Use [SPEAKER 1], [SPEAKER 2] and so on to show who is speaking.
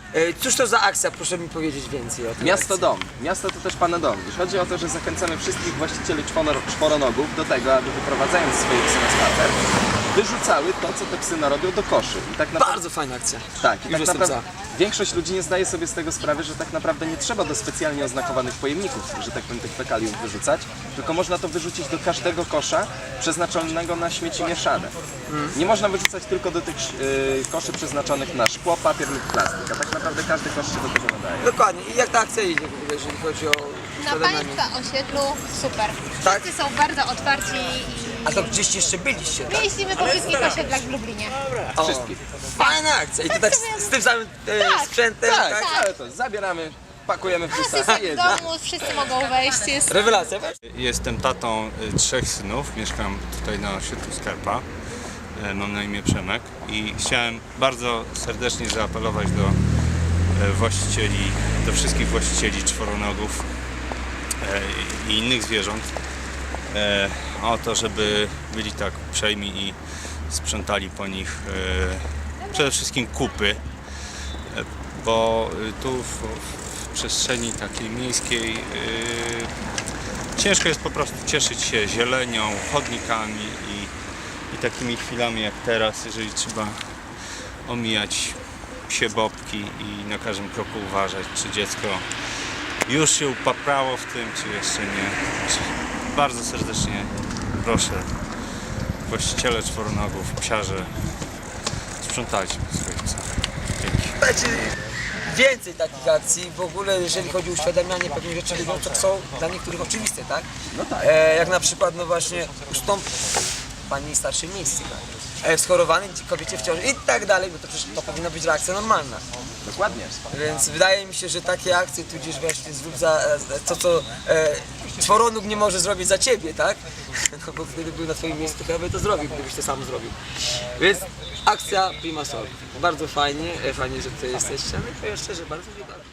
[SPEAKER 1] Cóż to za akcja? Proszę mi powiedzieć więcej o tym.
[SPEAKER 2] Miasto Dom. Miasto to też Pana dom. I chodzi o to, że zachęcamy wszystkich właścicieli czworonogów do tego, aby wyprowadzając swoje psy na spacer, wyrzucały to, co te psy narobią do koszy. I tak naprawdę,
[SPEAKER 1] Bardzo fajna akcja.
[SPEAKER 2] tak, i
[SPEAKER 1] Już
[SPEAKER 2] tak
[SPEAKER 1] jestem
[SPEAKER 2] naprawdę większość ludzi nie zdaje sobie z tego sprawy, że tak naprawdę nie trzeba do specjalnie oznakowanych pojemników, że tak powiem, tych fekaliów wyrzucać, tylko można to wyrzucić do każdego kosza przeznaczonego na śmieci mieszane. Nie można wyrzucać tylko do tych koszy przeznaczonych na szkło, papier lub plastik, a tak naprawdę każdy kosz się do tego nadaje.
[SPEAKER 1] Dokładnie. I jak ta akcja idzie w ogóle, jeżeli chodzi o
[SPEAKER 3] Na
[SPEAKER 1] uświadamianie?
[SPEAKER 3] Państwa osiedlu super.
[SPEAKER 1] Tak?
[SPEAKER 3] Wszyscy są bardzo otwarci
[SPEAKER 1] A to gdzieś jeszcze byliście, tak?
[SPEAKER 3] i jeździmy po wszystkich osiedlach w Lublinie.
[SPEAKER 1] O,
[SPEAKER 2] Wszystkich.
[SPEAKER 1] fajna akcja. I to tak z tym samym
[SPEAKER 3] Tak.
[SPEAKER 1] sprzętem, tak?
[SPEAKER 2] Tak, ale to zabieramy, pakujemy w busa i
[SPEAKER 3] Asystent w
[SPEAKER 2] jedziemy.
[SPEAKER 3] domu, wszyscy mogą wejść, jest
[SPEAKER 1] Rewelacja.
[SPEAKER 4] Jestem tatą 3 synów, mieszkam tutaj na osiedlu Skarpa, mam na imię Przemek i chciałem bardzo serdecznie zaapelować do właścicieli, do wszystkich właścicieli czworonogów i innych zwierząt o to, żeby byli tak uprzejmi i sprzątali po nich przede wszystkim kupy, bo tu w przestrzeni takiej miejskiej ciężko jest po prostu cieszyć się zielenią, chodnikami i takimi chwilami jak teraz, jeżeli trzeba omijać psie bobki i na każdym kroku uważać, czy dziecko już się upaprało w tym, czy jeszcze nie. Bardzo serdecznie proszę właściciele czworonogów, psiarze, sprzątajcie po swoich psach. Dzięki.
[SPEAKER 1] Dajcie więcej takich akcji. W ogóle jeżeli chodzi o uświadamianie pewnych rzeczy ludziom, to są dla niektórych oczywiste, tak?
[SPEAKER 2] No tak.
[SPEAKER 1] Jak na przykład, no właśnie, ustąp pani starszej miejscu, tak? Schorowanej kobiecie w ciąży i tak dalej, bo to przecież to powinna być reakcja normalna.
[SPEAKER 2] Dokładnie.
[SPEAKER 1] Więc wydaje mi się, że takie akcje, tudzież właśnie zrób za to, co czworonóg nie może zrobić za ciebie, tak? No bo gdyby był na twoim miejscu, to chyba by to zrobił, gdybyś to sam zrobił. Więc akcja Prima Sol. Bardzo fajnie, fajnie, że tutaj jesteście, ale powiem szczerze, bardzo dziękuję.